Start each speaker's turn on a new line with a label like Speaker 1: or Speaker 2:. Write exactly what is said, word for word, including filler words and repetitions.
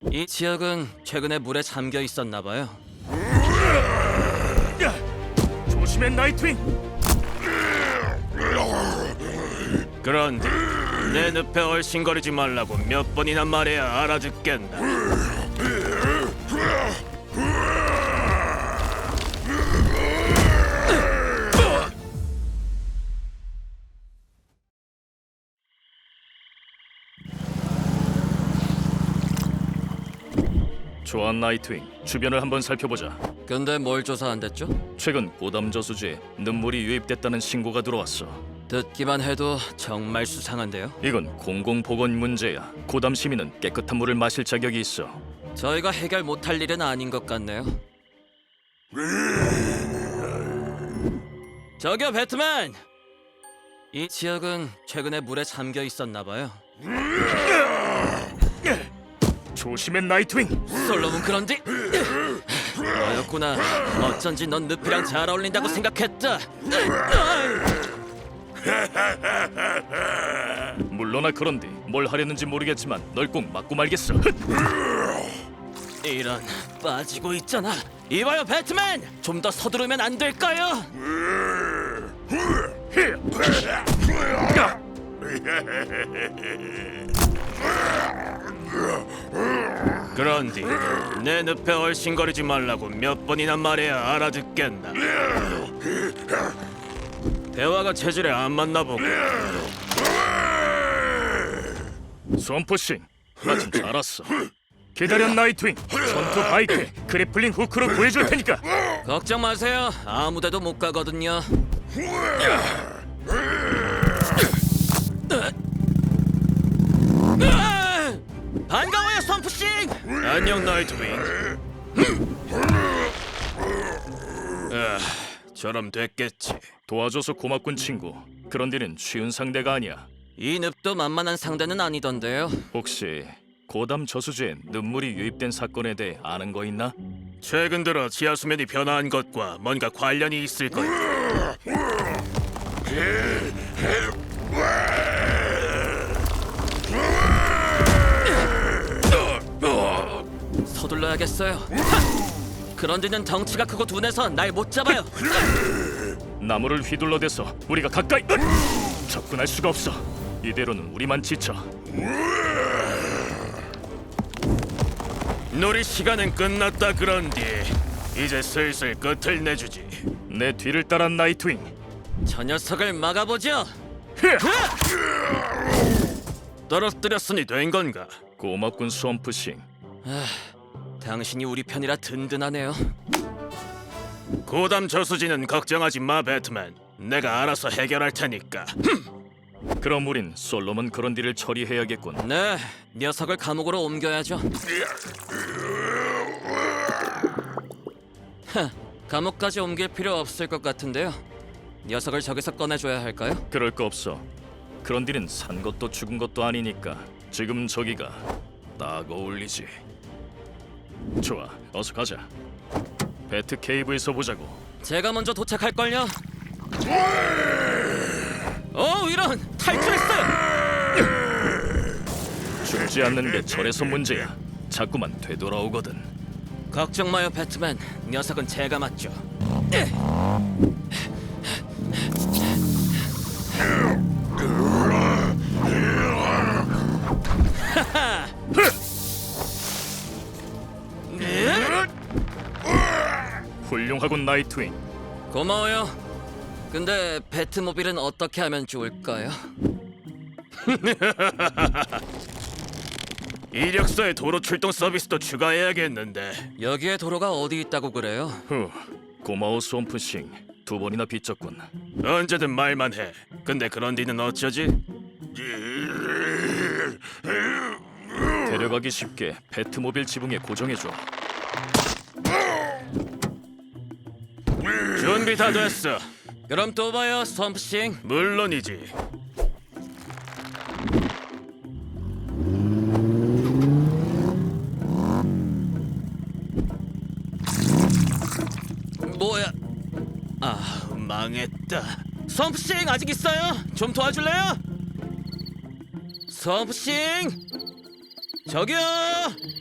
Speaker 1: 이 지역은 최근에 물에 잠겨 있었나 봐요.
Speaker 2: 조심해, 나이트윙.
Speaker 1: 그런데 내 늪에 얼씬거리지 말라고 몇 번이나 말해야 알아듣겠나.
Speaker 2: 좋아, 나이트윙. 주변을 한번 살펴보자.
Speaker 1: 근데 뭘 조사한댔죠?
Speaker 2: 최근 고담 저수지에 눈물이 유입됐다는 신고가 들어왔어.
Speaker 1: 듣기만 해도 정말 수상한데요.
Speaker 2: 이건 공공보건 문제야. 고담 시민은 깨끗한 물을 마실 자격이 있어.
Speaker 1: 저희가 해결 못할 일은 아닌 것 같네요. 저기요, 배트맨! 이 지역은 최근에 물에 잠겨 있었나 봐요.
Speaker 2: 조심해, 나이트윙.
Speaker 1: 솔로몬 그런지? 너였구나. 어쩐지 넌 늪이랑 잘 어울린다고 생각했다.
Speaker 2: 물러나. 그런데 뭘 하려는지 모르겠지만 널 꼭 맞고 말겠어.
Speaker 1: 이런, 빠지고 있잖아. 이봐요, 배트맨! 좀 더 서두르면 안 될까요? 그런디 내 늪에 얼씬거리지 말라고 몇 번이나 말해야 알아듣겠나. 대화가 체질에 안 맞나 보고.
Speaker 2: 손포싱, 마침 잘 왔어. 기다려, 나이트윙. 전투 바이크 그래플링 후크로 구해줄 테니까.
Speaker 1: 걱정 마세요. 아무데도 못 가거든요. 반가워요, 선프싱. 안녕, 나이트윙. 아, 저럼 됐겠지.
Speaker 2: 도와줘서 고맙군, 친구. 그런 데는 쉬운 상대가 아니야.
Speaker 1: 이 늪도 만만한 상대는 아니던데요.
Speaker 2: 혹시 고담 저수지에 눈물이 유입된 사건에 대해 아는 거 있나?
Speaker 1: 최근 들어 지하 수면이 변화한 것과 뭔가 관련이 있을 거야. 서둘러야겠어요. 하! 그런 데는 덩치가 크고 둔해서 날 못 잡아요.
Speaker 2: 나무를 휘둘러대서 우리가 가까이 접근할 수가 없어. 이대로는 우리만 지쳐.
Speaker 1: 놀이 시간은 끝났다. 그런디 이제 슬슬 끝을 내주지.
Speaker 2: 내 뒤를 따라, 나이트윙.
Speaker 1: 저 녀석을 막아보죠. 떨어뜨렸으니 된 건가?
Speaker 2: 고맙군, swampu싱.
Speaker 1: 당신이 우리 편이라 든든하네요. 고담 저수지는 걱정하지 마, 배트맨. 내가 알아서 해결할 테니까.
Speaker 2: 그럼 우린 솔로몬 그런디를 처리해야겠군.
Speaker 1: 네, 녀석을 감옥으로 옮겨야죠. 하, 감옥까지 옮길 필요 없을 것 같은데요. 녀석을 저기서 꺼내줘야 할까요?
Speaker 2: 그럴 거 없어. 그런디는 산 것도 죽은 것도 아니니까 지금 저기가 딱 어울리지. 좋아, 어서 가자. 배트 케이브에서 보자고.
Speaker 1: 제가 먼저 도착할걸요. 오, 이런! 탈출했어요!
Speaker 2: 죽지 않는 게 절에서 문제야. 자꾸만 되돌아오거든.
Speaker 1: 걱정 마요, 배트맨. 녀석은 제가 맞죠.
Speaker 2: 훌륭하군, 나이트윙.
Speaker 1: 고마워요. 근데 배트모빌은 어떻게 하면 좋을까요? 이력서에 도로 출동 서비스도 추가해야겠는데. 여기에 도로가 어디 있다고 그래요?
Speaker 2: 후, 고마워, swampu싱. 두 번이나 빚졌군.
Speaker 1: 언제든 말만 해. 근데 그런 뒤는 어쩌지?
Speaker 2: 데려가기 쉽게 배트모빌 지붕에 고정해줘.
Speaker 1: 준비 다 됐어. 그럼 또 봐요, 스톰프싱. 물론이지. 뭐야? 아, 망했다. 스톰프싱 아직 있어요? 좀 도와줄래요? 스톰프싱! 저기요!